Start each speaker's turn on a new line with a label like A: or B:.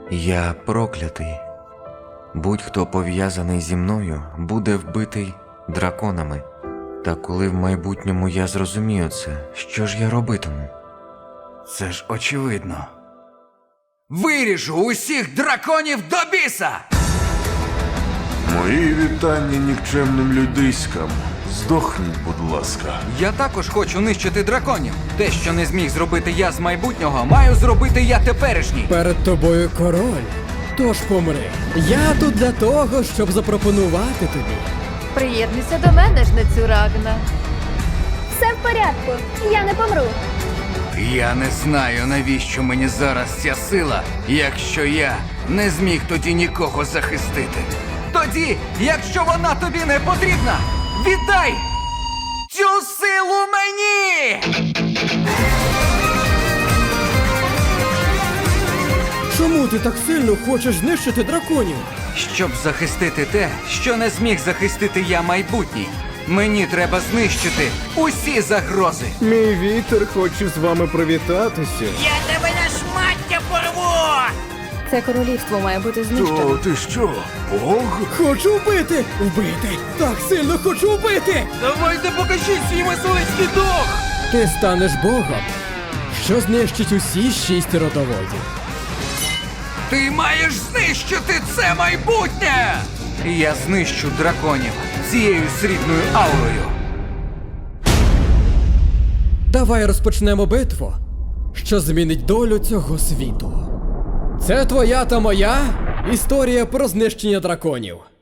A: Я проклятий. Будь-хто пов'язаний зі мною буде вбитий драконами. Та коли в майбутньому я зрозумію це, що ж я робитиму?
B: Це ж очевидно. Виріжу усіх драконів до біса!
C: Мої вітання нікчемним людиськам. Здохніть, будь ласка.
B: Я також хочу нищити драконів. Те, що не зміг зробити я з майбутнього, маю зробити я теперішній.
D: Перед тобою король. Тож помри. Я тут для того, щоб запропонувати тобі.
E: Приєднуйся до мене, жнецю Рагна.
F: Все в порядку, я не помру.
B: Я не знаю, навіщо мені зараз ця сила, якщо я не зміг тоді нікого захистити. Тоді, якщо вона тобі не потрібна, віддай цю силу мені!
D: Чому ти так сильно хочеш знищити драконів?
B: Щоб захистити те, що не зміг захистити я майбутній, мені треба знищити усі загрози.
G: Мій вітер хоче з вами привітатися.
H: Я тебе на шмаття порву!
E: Це королівство має бути знищено.
C: То ти що, Бог?
D: Хочу вбити! Вбити! Так сильно хочу вбити!
B: Давайте покажіть свій мисливський дух!
D: Ти станеш богом, що знищить усі 6 родоводів.
B: Ти маєш знищити це майбутнє! Я знищу драконів цією срібною аурою.
D: Давай розпочнемо битву, що змінить долю цього світу. Це твоя та моя історія про знищення драконів.